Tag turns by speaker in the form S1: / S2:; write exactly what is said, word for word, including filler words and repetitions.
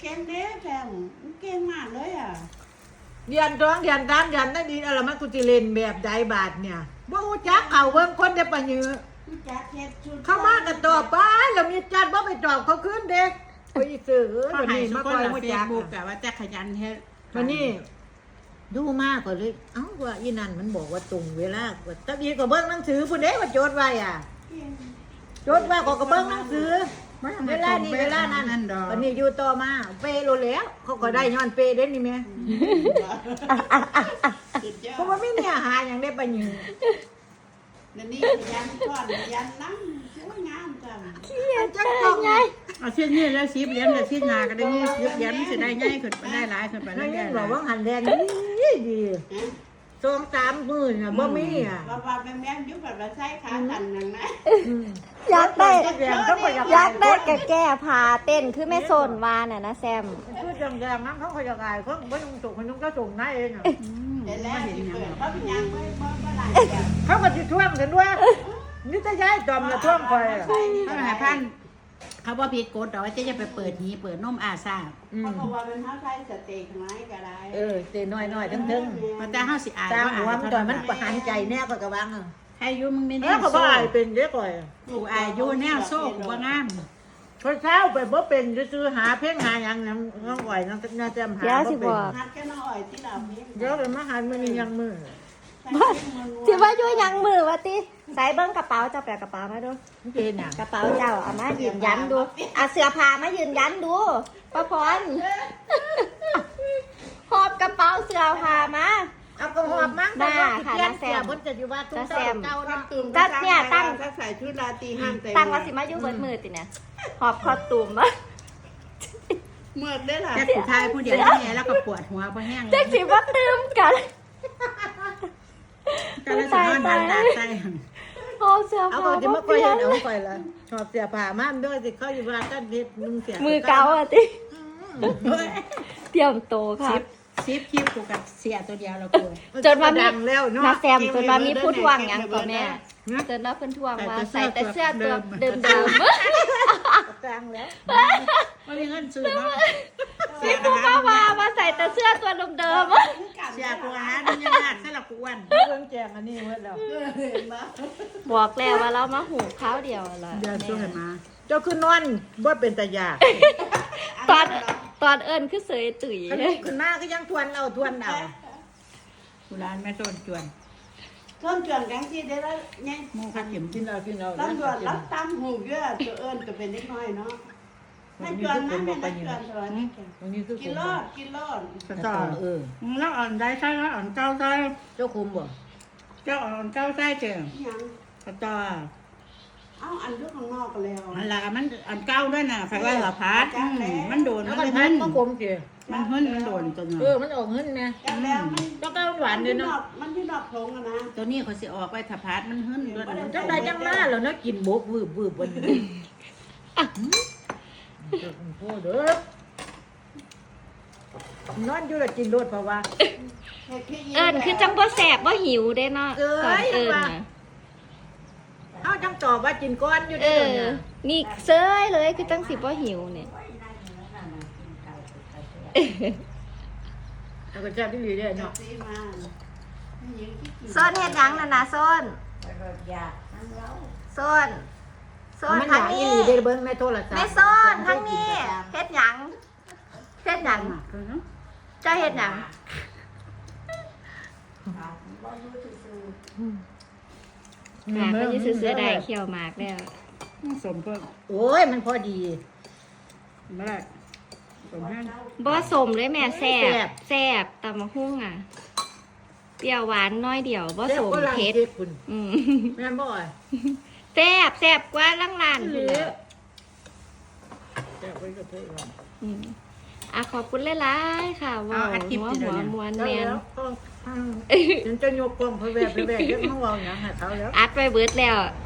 S1: ก่งเด้แซมเก่งมากเลยอ่ะ
S2: เรียนร้องเรียนตามเรียนได้ดีอะไรมันกูจะเล่นแบบใดบาทเนี่ยบ่ฮู้จักเขาเบิ่งคนได้ปะยือเข้ามากันตอบไปแล้วมีจัดบ่ไปตอบเขาขึ้นเด็กไปซื้อ
S1: เขา
S2: วัน
S1: ให้
S2: นี้
S1: ทุ
S2: มาก
S1: ค
S2: คอย
S1: นละ
S2: ฮู้
S1: เฟ
S2: จั
S1: ซ
S2: ก
S1: บุ๊กแต่ว่าแต่ขยันเฮ็ด
S2: วันนี้ดูมากกว่าเลยเอ้าว่าอีนั่นมันบอกว่าตรงเวลาว่าตะบีก็เบิ่งหนังสือพุ่นเด้ว่าโจทย์ไว้อ่ะโจทย์ว่าก็เบิ่งหนังสือเวลานี้เวลานั้นวันนี้อยู่ต่อมาเปโลแล้วเขาก็ได้ย้อนเปเด้นี่แม่เพราะว่าไม่เนี่ยหาอย่างได้ปะยือ
S1: เดี๋ยวนี้ยันก้อนยันนั่งสวยงามจัง
S2: จักต้องไง
S1: เอาเส้นนี้แล้วสิบเหรียญแล้วสิบนาก็ได้ยี่สิบเหรียญสิได้ง่ายขึ้นไปได้หลายขึ้นไป
S2: นั่
S1: ได้
S2: น
S1: เรื่
S2: ยั
S1: อง ย
S2: บอกว่าหันแดงดีดีสองสามหมื่นอ่ะบ่มีอ่ะ
S1: ว่าว่าแม่แม่ยุบแบบว่าใช้ขากันนั่นนะ
S3: อยากได้
S2: แดงต้องไป
S3: อยากได้แก่แก่พาเต้นคือแม่โซนวาน่ะนะแซม
S2: คือจังแดงนั้นเขาขยักไอ้เขาไม่ต้องส่งคนนู้นก็ส่งได้เองอ่ะ
S1: เดี๋ยวแล้วสิเปิดเขาเป็นยังไม่ไม่ไม่ไรกัน
S2: เขาก็จะท่วงกันด้วยนี่จะย้ายจอมละท่วงคอย
S1: ถ้าหายพันเขาว่าผิดกฎแต่ว่าจะจะไปเปิดหีเปิดนมอาซาเขาบอกว่าเป็นเท้าไทยสเต็กไหมก็ได้
S2: เออเตน้อยน้อยทั้งทั้ง
S1: แต่เท้าสิอาย
S2: ตาม
S1: ว่า
S2: หัว
S1: อาย
S2: มันต่อยมันประหารใจแน่ก็กระวังอ่ะ
S1: ให้ยุมึงไม่
S2: แล้
S1: แน่
S2: วเขาก็อายเป็นเยอะก่อย
S1: กูอายยุแนวโซ่กูว่างาม
S2: คนเช้าไปบ่เป็นจะซื้อหาเพ่งหาอย่างน้ำน้องอ่อยน้องน่าจะหา
S3: เดี๋ยวสิบอก
S1: ฮัดแค่น้อยที่เราเพียง
S2: เดี๋ยวเป็นมหามันยังมือ
S3: สิว่าอยู่ยังมือวะติใส่เบิ้งกระเป๋าเจ้าแปลกระเป๋ามาดู
S2: มันเป็นอ่ะ
S3: กระเป๋าเจ้าเอามายืนยันดูเอาเสื้อผ้ามายืนยันดูป้าพรหอบกระเป๋าเสื้อผ้ามา
S2: เอากระหอบมั้ง
S3: บ้าค่ะน้าแซม
S2: บนจะอยู่ว่าตุ้ง
S3: น้าแซม
S2: เก่าน้ำตุ่ม
S3: จัดเนี่ยตั้ง
S1: ถ้าใส่ชุดราตรีห้ามเต็ม
S3: ตั้งว่าสิมาอยู่เบิดมือติเนี่ยหอบคอตุ่มมา
S1: เมื่อได้หรอแต่ผู้ชายผู้เดียวนี่แล้วก็ปวดหัวเพราะแห้ง
S3: จักสิว่าตื่มกัน
S1: ก็เลยสอนดันดาใส่
S3: หอบเสื้อ
S2: เอา
S3: ผ้า
S2: เขาจะ
S3: มา
S2: มา
S3: เป
S2: คอย
S3: ลี่ย
S2: เห็
S3: น
S2: นเอาคอยละชอบเสียผ้าม่านด้วยสิเขาอยู่ว่ากันเพชรมึงเสีย
S3: มือเก่าอ่ะติเตรียมโตค่ะ
S1: ซิปซิปคลิปกูกับเสียตัวเดียวเรากู
S3: จนว่ามี
S2: ดังแล้วเนาะ
S3: นาแซมจนว่ามีผู้ทวงหยังก่อนแม่จนว่าเพิ่นทวงว่าใส่แต่เสื้อตัวเดิม
S2: กลางแล้ว
S1: ไม่มีเงินซื้อเนาะ
S3: ๆพี่ผู้ว่าว่าว่าใส่แต่เสื้อตัวเดิม
S1: เสียกูหานี่ยังยากสลับกูอ้วน
S2: เรื่องแจงอันนี้เว้ยแล้ว
S3: ๆบอกแล้วว่าเรามาหูข้าวเดียวล่ะ
S1: เดี๋ยวช่วยมา
S2: เจ้าคือนอนบ่เป็นตายา
S3: ตอนตอนเอิญคือเสยตุ๋ย
S2: อันนี้ขึ้นมาก็ยังทวนเอาทวนเอา
S1: กูร้านแม่ต้นจวน
S4: ต้นจวนกันที่ได้แล้วเนี่ย
S1: มูข้าเข็ม
S2: กินเอากินเอา
S4: ต้นจวนรับตามหูเยอะตัวเอิญก็เป็นเล็กน้อยเนาะนั่นจวนนั่นแม่นั่นจวนตัวนี้
S2: ตรงนี้คือ
S4: กินรอดกินรอด
S1: กระต่อ
S2: เออ
S1: แล้วอ่อนได้ใช่แล้วอ่อนเก้าใช่
S2: เจ้าคุมบ่
S1: เจ้าอ่อนเก้าใช่เจ้า
S4: ยัง
S1: กระต่อ
S4: เอาอันยุข้างนอกก็แล้ว
S1: อันละมันอ่อนเก้าด้วยนะไฟว่าหัวพัดมันโดน
S2: แล้ว
S1: มัน
S2: ก็
S1: หึ่
S2: พัน
S1: น
S2: มะกมสิ
S1: มันหึ่นมันโดนตัว
S2: เอ
S1: นี้
S2: อมันออกเงินนะ
S4: แล้วแล้วมัน
S2: ต้องการหวานเลยเนาะ
S4: มันที่นอกทงอะนะ
S1: ตัวนี้เขาสิออกไปถ้าพัดมันหึ่นด้วย
S2: จังใดจังมาแล้วเนาะกินบกวืบวืบวันนี้เจ้าคุณพ่อเด้อนอนอยู่แล้วกินรถเพราะว่า
S3: เอิญคือจังบ่แสบบ่หิวได้เนาะ
S2: เอ้ย
S3: ตอนเอิญ
S2: ว่า
S3: น่ะ
S2: เอาจังตอบว่ากินก้อนอยู่
S3: เอ
S2: เด้อ
S3: อ
S2: เนี่ย
S3: นี่เซยเลยคือจังสิบ่หิวเนี่ย
S2: แล้วก็จะพี่หลีได้เนาะ
S4: ซื้อมา
S3: โซนเฮ็ดหยังน่ะนะโซนโซนโซน
S2: มันอ
S3: ทาง
S2: ยากอี
S3: นี้
S2: หลีได้เบิ่งในโทรศัพท์
S3: แม่โซนทางนี้เฮ็ดหยังเฮ็ดหยังเจ้าเฮ็ดหยัง หมากก็จะซื้อเสื้อได้เขียวหมากแล้ว
S1: สมเพิ่ม
S2: โอ้ยมันพอดี
S1: ไม่ได้สมให้
S3: บ่สมเลยแม่แซ่
S2: แซ่
S3: บบ แซ่บตำมะฮุ่งอ่ะเปรี้ยวหวานน้อยเดียวบ่สม
S2: ก็ลัง
S3: เผ็ด
S2: เจ็บคุณ
S3: อืม
S2: แม่นบ่อย
S3: แซ่บแซ่บกว่าลังลาน
S2: ห
S3: พุ่
S2: รื
S3: น
S2: อ
S3: แหละ
S2: แซ่บไว้กับเพื่อน
S3: อืมอ่ะขอบคุณหลายๆค่ะว้าวหัวหัวมวนแมน
S2: แล้วก็ฉันจะยกกล้องเพื่อแบบไปแบบเยอะมาเว่าอย่างหาเขาแล้ว
S3: อัดไปเบิดแล้ว